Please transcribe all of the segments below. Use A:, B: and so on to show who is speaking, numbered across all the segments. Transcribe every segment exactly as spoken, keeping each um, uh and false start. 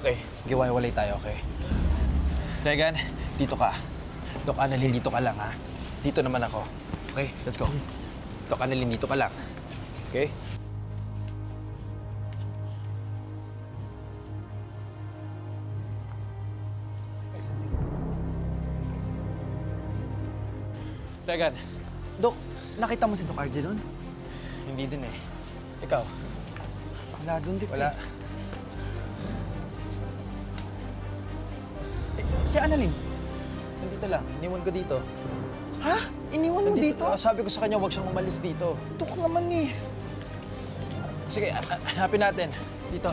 A: Okay, giwaiwalay tayo, okay? Regan, dito ka. Dok Annalyn, dito ka lang, ha? Dito naman ako. Okay, let's go. Dok Annalyn, dito ka lang. Okay? Regan,
B: Dok, nakita mo si Doc R J doon?
A: hindi din eh. Ikaw?
B: Wala doon, Dok.
A: Wala.
B: Eh, si Annalyn?
A: Nandito lang. Iniwan ko dito.
B: Ha? Iniwan mo dito?
A: Ah, sabi ko sa kanya, huwag siyang umalis dito.
B: Dok naman eh.
A: Sige, a- a- hanapin natin. Dito.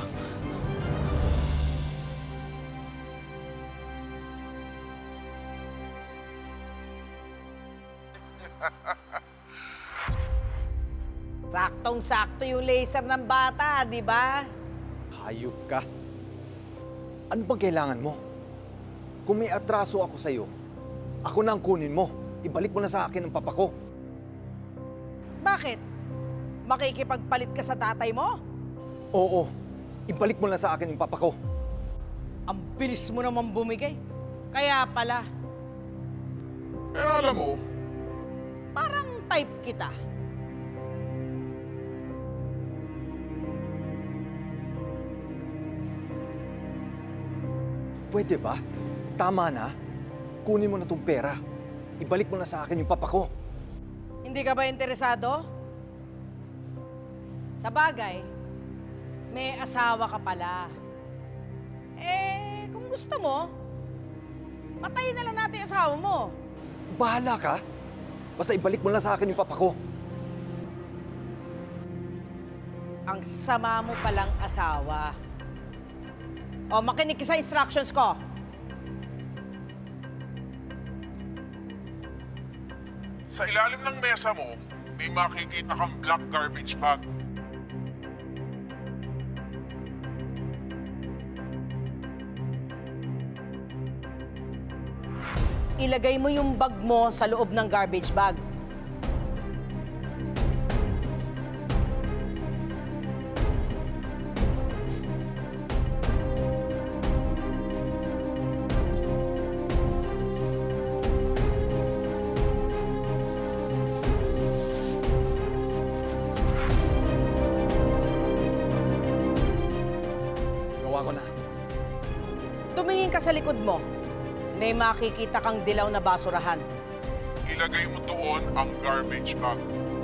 C: Saktong-sakto yung laser ng bata, di ba?
D: Hayop ka. Ano bang kailangan mo? Kung may atraso ako sa'yo, ako na ang kunin mo. Ibalik mo na sa akin ang papa ko.
C: Bakit? Makikipagpalit ka sa tatay mo?
D: Oo, ibalik mo na sa akin yung papa ko.
C: Ang bilis mo naman bumigay. Kaya pala,
E: Pero alam mo,
C: parang type kita.
D: Pwede ba? Tama na. Kunin mo na tong pera. Ibalik mo na sa akin yung papa ko.
C: Hindi ka ba interesado? Sa bagay, may asawa ka pala. Eh, kung gusto mo, patayin na lang natin yung asawa mo.
D: Bahala ka. Basta ibalik mo na sa akin yung papa ko.
C: Ang sama mo palang asawa. O, makinig ka sa instructions ko.
E: sa ilalim ng mesa mo, may makikita kang black garbage bag.
C: Ilagay mo yung bag mo sa loob ng garbage bag.
D: Gawa ko na.
C: Tumingin ka sa likod mo. May makikita kang dilaw na basurahan.
E: Ilagay mo doon ang garbage bag.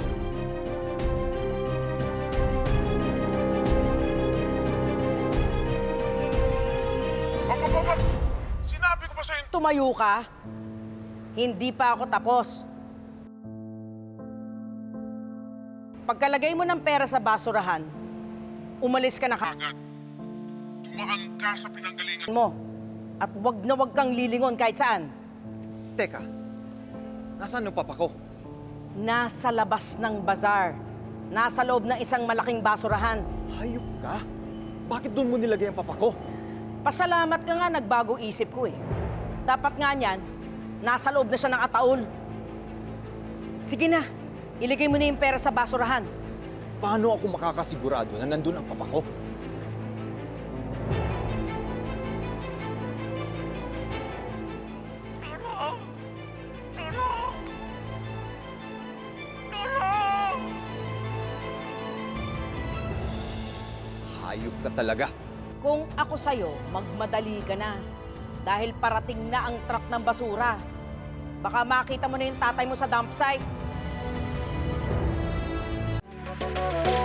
E: Papa, papa! Sinabi ko pa sa'yo,
C: Tumayo ka. Hindi pa ako tapos. Pagkalagay mo ng pera sa basurahan, umalis ka na ka
E: agad. Dumaan ka sa pinanggalingan.
C: mo. At wag na wag kang lilingon kahit saan.
D: Teka, nasaan yung papa ko?
C: Nasa labas ng bazar. Nasa loob ng isang malaking basurahan.
D: Hayop ka? Bakit doon mo nilagay ang papa ko?
C: Pasalamat ka nga nagbago isip ko eh. Dapat nga niyan, nasa loob na siya ng ataol. Sige na, iligay mo na yung pera sa basurahan.
D: Paano ako makakasigurado na nandun ang papa ko? Hayop ka talaga.
C: Kung ako sa'yo, magmadali ka na. Dahil parating na ang truck ng basura. Baka makita mo na yung tatay mo sa dump site.